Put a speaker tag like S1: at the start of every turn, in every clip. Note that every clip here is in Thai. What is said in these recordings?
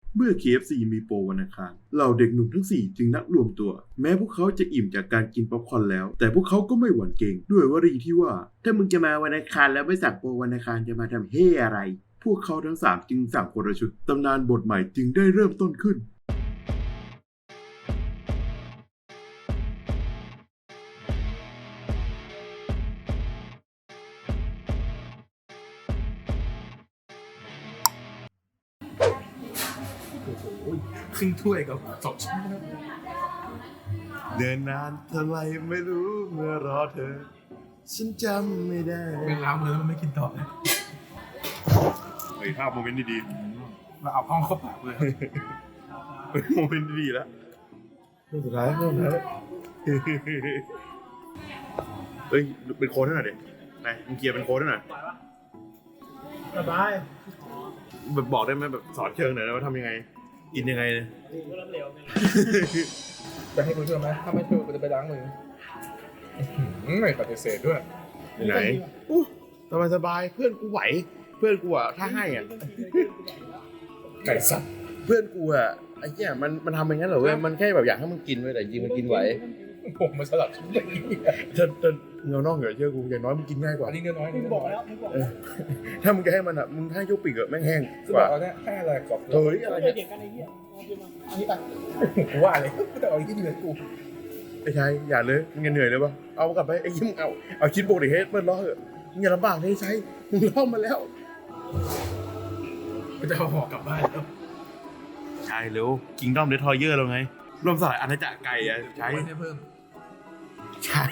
S1: เมื่อ KFC มีโปรวันอังคารเหล่าเด็กหนุ่มทั้ง4จึงนัดรวมตัวแม้พวกเขาจะอิ่มจากการกินป๊อปคอร์นแล้วแต่พวกเขาก็ไม่หวั่นเกรงด้วยวลีที่ว่าถ้ามึงจะมาวันอังคารแล้วไม่สั่งโปรวันอังคารจะมาทำเฮ่อะไรพวกเขาทั้ง3จึงสั่งคนละชุดตำนานบทใหม่จึงได้เริ่มต้นขึ้น
S2: ครึ่งถ้วยกับ2 ช้อน
S1: เดินนานเท่าไรไม่รู้เมื่อรอเธอฉันจำไม่ได้
S2: เป็นล้างมือแล้วมันไม่กินต่อเลย
S1: เฮ้ยภาพโมเมนต์ดี
S2: เราเอาห้องเข้าปากเลย
S1: ๆเป็นโมเมนต์ดีแล้วเรื่องสุดท้ายเฮ้ยเป็นโค้ดให้หน่อยดินายมึงเคลียร์เป็นโค้ดให้หน่อย
S2: สบาย
S1: แบบบอกได้ไหมแบบสอนเชิงหน่อยนะว่าทำยังไงกินยังไงเนี่ย
S2: จะให้กูช่วยไหมถ้าไม่ช่วยกูจะไปล้างมือไม่ปฏิเสธด้วย
S1: ไหนอู้สบายเพื่อนกูไหวเพื่อนกูอ่ะถ้าให้อ่ะ
S2: ไก่สัตว์
S1: เพื่อนกูอ่ะไอ้เหี้ยมันทำอย่างนั้นเหรอเว้ยมันแค่แบบอยากให้มึงกินเว้ยแต่จริงมันกินไหว
S2: ผมมาสลับชิ้นอย่างนี้
S1: ถ้าเงานอกเหนือเชื่อกูอย่างน้อยมันกินง่ายกว่า
S2: อันนี้เนื้อน้อยนี่บอกแล้ว
S1: ถ้ามึงจะให้มันอ่ะมึงให้ยกปีกอะแม่งแห้ง
S2: คือก บอ
S1: ว่าก
S2: เอาเนี่ยให้อะไรกรอบ
S1: เฮ้ยอะไรเนี่ย
S2: กูว่าเลยแต่เอาที่เหนือกู
S1: ไอ้ชายอย่าเลยมึงอย่าเหนื่อยเลยปะเอากลับไปไอ้ยิ้มงเอาคิดบวกดิเฮ้ยเปิดล้อเถอะมึงอย่าลำบากเลยใช้มึงล้อมาแล้ว
S2: กูจะเอาห่อกลับบ้านแล้ว
S1: ใช่เร็วกิงด้อมเดทอยเยอร์เราไงรวมสลายอาณาจักรไก่อะใช่
S2: ไม่ได้เพิ่ม
S1: ใช่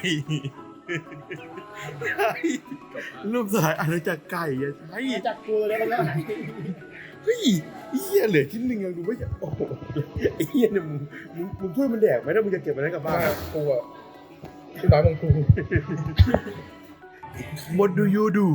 S1: ใช่รวมสลายอาณาจักรไก่อะใช่
S3: จากกูเลยแล้ว
S1: เฮ้ยไอ้เหี้ยเหลือชิ้นหนึ่งยังดูไม่อยากโอ้โหไอ้เหี้ยเนี่ยมึงช่วยมันแดกไหมถ้ามึงจะเก็บมันไว้กลับบ้าน
S2: กูอ่ะที่ร้านของกู
S1: What do you do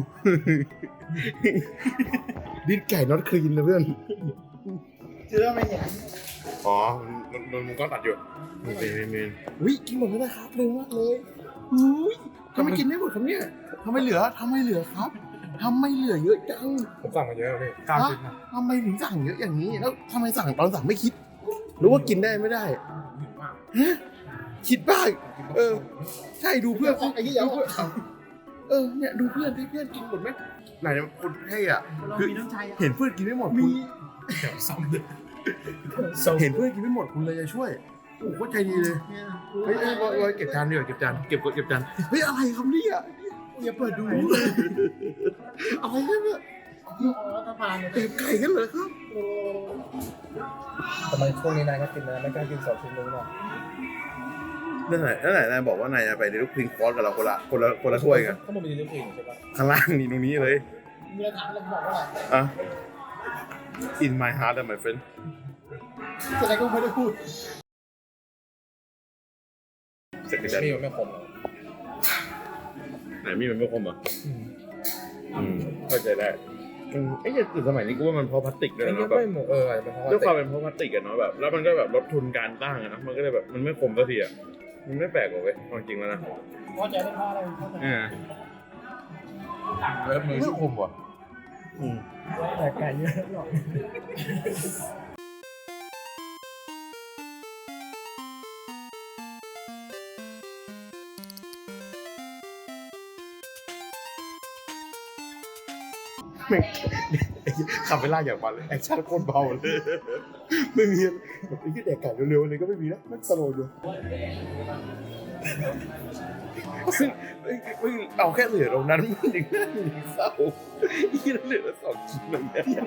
S1: ดิ้นไก่น็อตคลีนนะเพื่อน
S3: เชื่อไหมเนี่ย
S1: อ๋อมันก็ตัดอยู่มีวิกินหมดแล้วนะครับเร็วมากเลยอุ้ยทำไมกินไม่หมดครับเนี่ยทำไมเหลือครับทำไมเหลือเยอะจัง
S2: ผมสั่งมาเยอะแล้วพี่9 ชิ้นนะ
S1: ทำไมถึงสั่งเยอะอย่างนี้แล้วทำไมสั่งตอนสั่งไม่คิดหรือว่ากินได้ไม่ได้
S2: หิวมาก
S1: ฮะคิดบ้างใช่ดูเพื่อนไอ้ที่ยังเนี่ยดูเพื่อนที่เพื่อนกินหมดไหมไหนคนให้อ่ะ
S3: เรา
S1: คือ
S3: มีน้ำใจ
S1: เห็นเพื่อนกินไม่หมดคุณ
S2: เดี๋ยวซ้ำเลย
S1: เห็นเพื่อนกินไม่หมดคุณเลยจะช่วยโอ้โหใจดีเลยเฮ้ยเก็บจานดีกว่าเก็บจานเก็บจานเฮ้ยอะไรครับเนี่ยอย่าเปิดดูอะไรเนี่ย
S3: รัฐบาล
S1: เก็บไก่กันเหรอครับ
S2: ทำไมช่วงนี้นายก็กินนะไม่กล้ากิน2 ชิ้นเลยหรอ
S1: นั่นไหนนายบอกว่านายจะไปในลูกพิงคอร์สกับเราคนละถ้วยกัน
S2: ถ้ามันมีเรื่องอื่นใช่ปะ
S1: ข้างล่างนี่ตรงนี้เลย
S3: มีอะไรถามเราบอกว่า
S1: อ่ะ in my heart my friend
S3: อะไรก็ไม่ได้พูด
S1: เสร็จแล้ว
S2: มีมันไม่คมหรอ
S1: ไหนมีมันไม่คมเหรอเข้าใจได้ไอ้เนี่ยสมัยนี้กูว่ามันเพราะพลาสติกด้วย
S2: มัน
S1: นะ
S2: ก็
S1: แบบ
S2: ไม่หมดอาจจะเป็นเพราะ
S1: ด้วยความ
S2: ว่า
S1: เป็นเพราะพลาสติกอะเนาะแบบแล้วมันก็แบบลดทุนการตั้งอะนะมันก็เลยแบบมันไม่คมสักทีอะมันไม่แปลกหรอกเว้ยความจริงแล้วนะ
S3: พอใจได้เพราะอะไรเข้าใจ
S2: เริ่มมือ
S1: ไม่คมว่ะ
S3: แต่ไก่เยอะหรอก
S1: แม่งขับไปล่าอย่างมันเลยแอคชั่นโคตรเบาเลยไม่มีแบบไอ้ที่แดกไก่เร็วๆเลยก็ไม่มีนะมันสโลว์อยู่ซึ่งเอาแค่เหลือตรงนั้นมันยังน่าเศร้าที่เหลือ2 ชิ้นเลยเนี่ย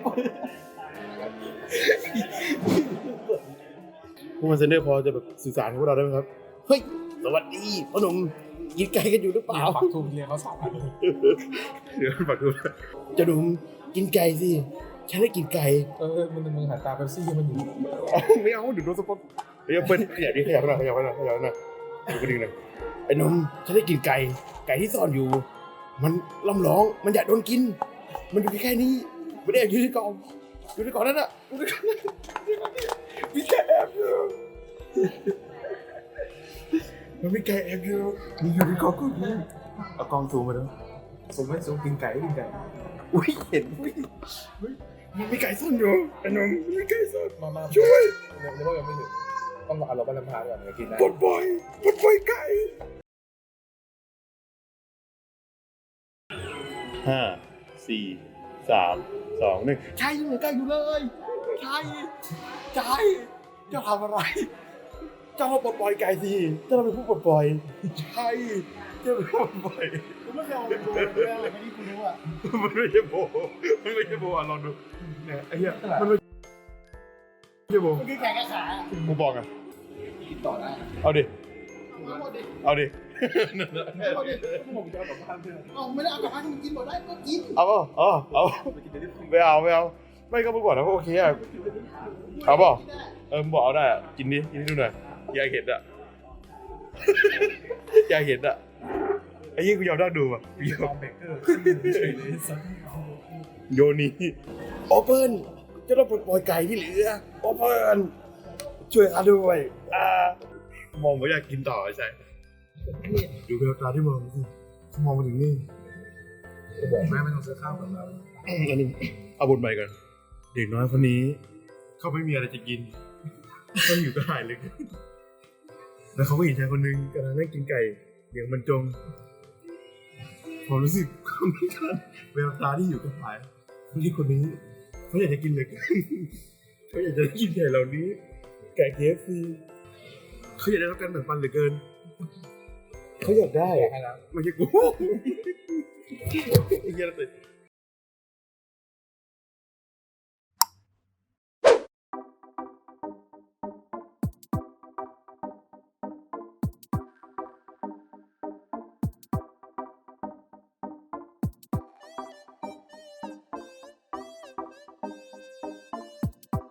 S1: พวกมันเซนเดอร์พอจะแบบสื่อสารกับพวกเราได้ไหมครับเฮ้ยสวัสดีพ่อหนุ่มกินไก่กันอยู่หรือเปล่า
S2: ปักทูเรียนเขา3 อันเลย
S1: เดี๋ยวฝากดูจะดูกินไก่สิฉันได้กินไก่
S2: มึงหาตาเป๊ปซี่ให้มันอยู่
S1: ไม่เอาเดี๋ยวโดนสปอนเดี๋ยวเปิ้ลขยับดิขยับหน่อยดูกระดิ่งหน่อยไอ้นมฉันได้กินไก่ที่ซ่อนอยู่ มันล่ำร้องมันอยากโดนกิน มันอยู่แค่นี้ไม่ได้อยู่ในกล่องนั่นน่ะมีแค่แอบอยู่มันมีแค่แอบอยู่มีอยู่ในกล่องก็มีเอากล้องซูมมาดู
S2: ผมไม่สูงกินไก่กินไก่
S1: อุ้ยเห็นอุ้ยมันมีไก่ซ่อนอยู่ไอ้หนุ่มมันมีไก่ซ่อน
S2: มา
S1: ช่วย
S2: เดี๋ยวว่ายังไม่ถึงต้องรอเราไปลำพาก่อนจะกินได้
S1: ปลดปล่อยไก่ห้าสี่สามสองหนึ่งใช่ยังเหลือไก่อยู่เลยใช่เจ้าทำอะไรเจ้าเราปลดปล่อยไก่สิเจ้าเราเป็นผู้ปลดปล่อยใช่เจ้าเป็นผู้ปลดปล่อย
S3: กูไม่เคยเอาไปโบนเลยอะไรไม่ที่กูรู้อ่ะ
S1: มันไม่ใช่โบอ่ะลองดูเนี่ยไอ้เหี้ยมันไม่ใช่โบ
S3: มันคือแข่งกับขา
S1: กูบอกอ่ะ
S2: กินต่อได้
S1: เอาดิ
S3: เอาหมดดิ
S1: เอาดิ
S3: เอาหมดดิ
S2: ผมจะเอากลับบ้านเพื่อน
S3: เอาไม่ได้เอากลับบ้านมึงกินหมดได้ก็กิน
S1: เอา
S2: ไปกินเดี๋ยวนี้
S1: ไม่เอาไม่ก็มึงบอกนะว่าโอเคอ่ะเอาเปล่ามึงบอกเอาได้อ่ะกินดิกินให้ดูหน่อยอยากเห็นอ่ะ อยากเห็นอ่ะไอ้ยี่กูยอมนั่งดูอ่ะ
S2: มีคอมเบเกอร์เฉยเลยสัก
S1: โยนีโอเปิลจะต้องปลดปล่อยไก่ที่เหลือโอเปิลช่วยข้าด้วยมองว่าอยากกินต่อใช่ดูแววตาที่มองสิเขามองมาถึงนี่
S2: จะบอกแม่ไม่ต้องซื้อข้าวกับเรา
S1: อันนี้เอาบทใหม่ก่อนเด็กน้อยคนนี้เขาไม่มีอะไรจะกินเขาอยู่ก็หายเลยแล้วเขาก็เห็นชายคนนึงกำลังนั่งกินไก่อย่างบรรจงผมรู้สึกคนนี้กันแววตาที่อยู่กับหายคนนี้เขาอยากจะกินเลยเขาอยากจะกินไก่เหล่านี้ไก่ KFC เขาอยากได้รับการแบ่งปันเหลือเกินเขาอยากได้
S2: ให้แล้ว
S1: ไม่ใช่กูไอ้เหี้ยติด